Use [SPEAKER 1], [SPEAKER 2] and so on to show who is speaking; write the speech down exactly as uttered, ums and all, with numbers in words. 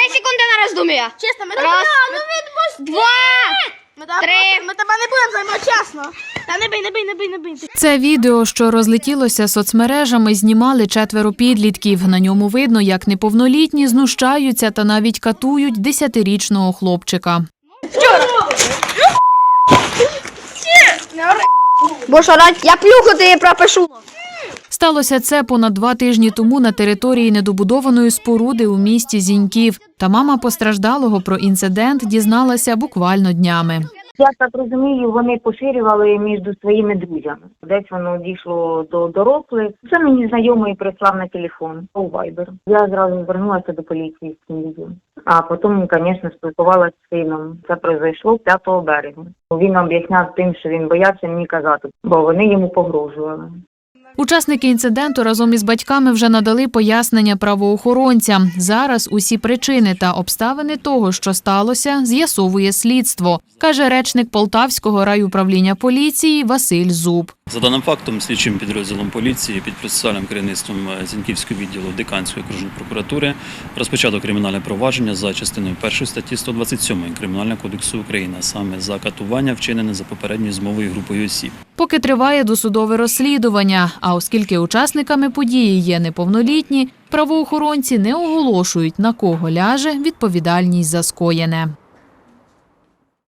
[SPEAKER 1] секунди на роздум'я.
[SPEAKER 2] Чесно, ми
[SPEAKER 1] Раз,
[SPEAKER 2] тебе, ну відпусти.
[SPEAKER 1] Два,
[SPEAKER 2] Ми тебе,
[SPEAKER 1] три.
[SPEAKER 2] ми тебе не будемо займати, чесно. Та не бий, не бий, не бий, не бий.
[SPEAKER 3] Це відео, що розлетілося соцмережами, знімали четверо підлітків. На ньому видно, як неповнолітні знущаються та навіть катують десятирічного хлопчика.
[SPEAKER 1] Будеш орати, я плюху тобі пропишу.
[SPEAKER 3] Сталося це понад два тижні тому на території недобудованої споруди у місті Зіньків. Та мама постраждалого про інцидент дізналася буквально днями.
[SPEAKER 4] Я так розумію, вони поширювали між своїми друзями. Десь воно дійшло до дорослих. Це мені знайомий прислав на телефон у Viber. Я зразу звернулася до поліції з цим відео. А потім, звісно, спілкувалася з сином. Це произойшло п'ятого березня. Він об'ясняв тим, що він боявся мені казати, бо вони йому погрожували.
[SPEAKER 3] Учасники інциденту разом із батьками вже надали пояснення правоохоронцям. Зараз усі причини та обставини того, що сталося, з'ясовує слідство, каже речник Полтавського райуправління поліції Василь Зуб.
[SPEAKER 5] За даним фактом, слідчим підрозділом поліції під процесуальним керівництвом Зіньківського відділу Диканської окружної прокуратури розпочато кримінальне провадження за частиною першої статті сто двадцять сьомої Кримінального кодексу України, саме за катування, вчинене за попередньою змовою групою осіб.
[SPEAKER 3] Поки триває досудове розслідування, а оскільки учасниками події є неповнолітні, правоохоронці не оголошують, на кого ляже відповідальність за скоєне.